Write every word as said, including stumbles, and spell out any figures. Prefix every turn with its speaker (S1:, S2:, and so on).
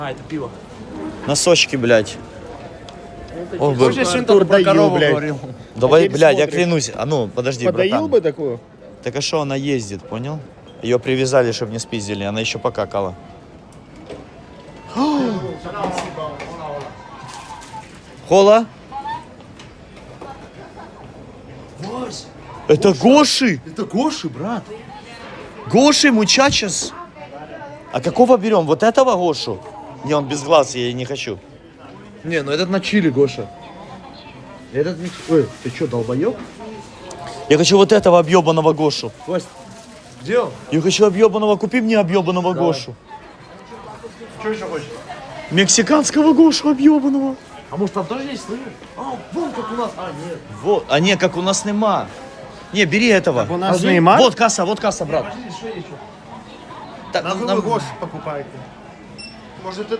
S1: А, это пиво.
S2: Носочки, блядь. Ох, бы-
S1: Хочешь, что
S3: Артур
S1: про
S3: доил,
S1: корову
S3: блядь.
S1: говорил?
S2: Давай,
S3: теперь
S2: блядь, я
S3: смотришь.
S2: клянусь. А ну, подожди,
S3: Подоил
S2: братан.
S3: бы такую?
S2: Так а что она ездит, понял? Ее привязали, чтобы не спиздили. Она еще покакала. Хола? Это Гоши!
S1: Это Гоши, брат.
S2: Гоши, мучачес. А какого берем? Вот этого Гошу? Не, он без глаз, я не хочу.
S1: Не, ну этот на чили, Гоша. Этот не... Ой, ты что, долбоёб?
S2: Я хочу вот этого объебанного Гошу.
S1: Кость, где он?
S2: Я хочу объебанного. Купи мне объебанного Гошу.
S1: Что еще хочешь?
S2: Мексиканского Гошу объебанного.
S1: А может там тоже есть, слышишь? А, вон как у нас. А, нет.
S2: Вот. А не, как у нас нема. Не, бери этого.
S3: У нас
S1: А
S3: Неймар?
S2: Вот касса, вот касса, брат. Так,
S3: Нахуй
S2: нам-
S3: вы Гош покупаете? Может,